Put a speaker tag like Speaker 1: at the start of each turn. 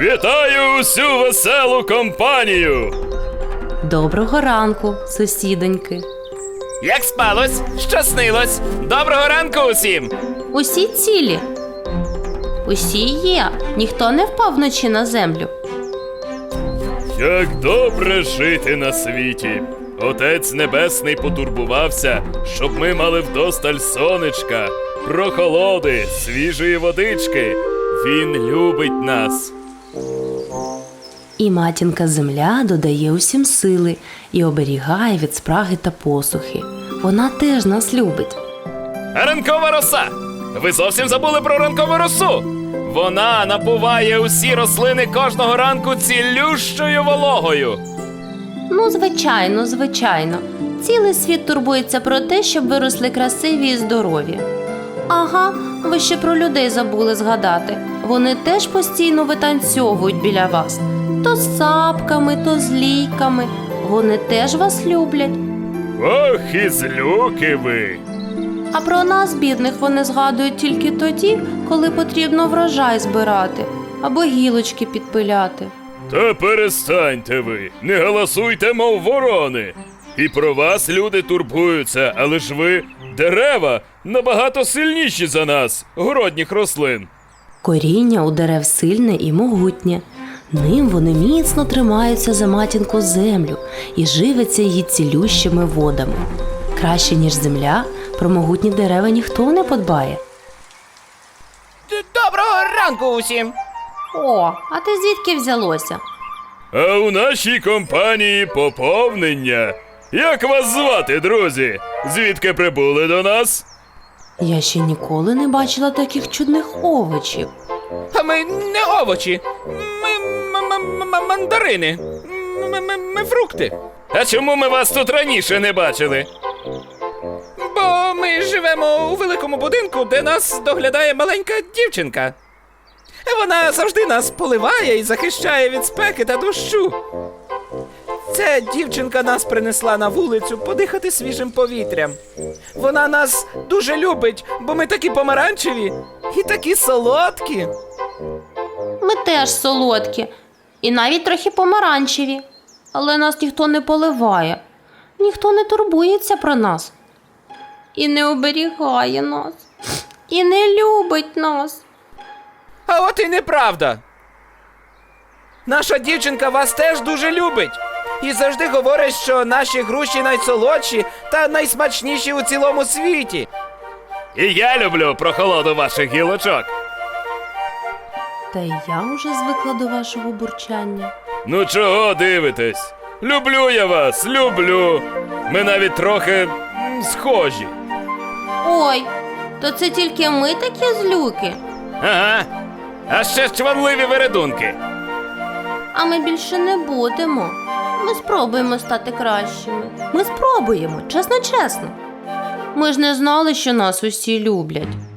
Speaker 1: Вітаю усю веселу компанію!
Speaker 2: Доброго ранку, сусідоньки.
Speaker 3: Як спалось? Що снилось? Доброго ранку усім!
Speaker 2: Усі цілі? Усі є. Ніхто не впав вночі на землю.
Speaker 1: Як добре жити на світі! Отець Небесний потурбувався, щоб ми мали вдосталь сонечка, прохолоди, свіжої водички. Він любить нас.
Speaker 2: І матінка земля додає усім сили і оберігає від спраги та посухи. Вона теж нас любить.
Speaker 3: А ранкова роса! Ви зовсім забули про ранкову росу! Вона напуває усі рослини кожного ранку цілющою вологою.
Speaker 2: Ну, звичайно, звичайно. Цілий світ турбується про те, щоб ви росли красиві і здорові. Ага, ви ще про людей забули згадати. Вони теж постійно витанцьовують біля вас. То з сапками, то з лійками. Вони теж вас люблять.
Speaker 1: Ох, і злюки ви!
Speaker 2: А про нас, бідних, вони згадують тільки тоді, коли потрібно врожай збирати або гілочки підпиляти.
Speaker 1: Та перестаньте ви, не галасуйте, мов ворони. І про вас люди турбуються, але ж ви, дерева, набагато сильніші за нас, городніх рослин.
Speaker 2: Коріння у дерев сильне і могутнє. Ним вони міцно тримаються за матінку землю і живиться її цілющими водами. Краще, ніж земля, про могутні дерева ніхто не подбає.
Speaker 3: Доброго ранку усім!
Speaker 2: О, а ти звідки взялося?
Speaker 1: А у нашій компанії поповнення. Як вас звати, друзі? Звідки прибули до нас?
Speaker 2: Я ще ніколи не бачила таких чудних овочів.
Speaker 3: А ми не овочі, ми мандарини, ми фрукти. А чому ми вас тут раніше не бачили? Бо ми живемо у великому будинку, де нас доглядає маленька дівчинка. Вона завжди нас поливає і захищає від спеки та дощу. Ця дівчинка нас принесла на вулицю подихати свіжим повітрям. Вона нас дуже любить, бо ми такі помаранчеві і такі солодкі.
Speaker 2: Ми теж солодкі і навіть трохи помаранчеві. Але нас ніхто не поливає, ніхто не турбується про нас. І не оберігає нас, і не любить нас.
Speaker 3: А от і неправда. Наша дівчинка вас теж дуже любить. І завжди говорить, що наші груші найсолодші та найсмачніші у цілому світі. І я люблю прохолоду ваших гілочок.
Speaker 2: Та й я вже звикла до вашого бурчання.
Speaker 1: Ну чого дивитесь? Люблю я вас, люблю. Ми навіть трохи схожі.
Speaker 2: Ой, то це тільки ми такі злюки?
Speaker 3: Ага. А ще чванливі вередунки.
Speaker 2: А ми більше не будемо. Ми спробуємо стати кращими. Ми спробуємо, чесно-чесно. Ми ж не знали, що нас усі люблять.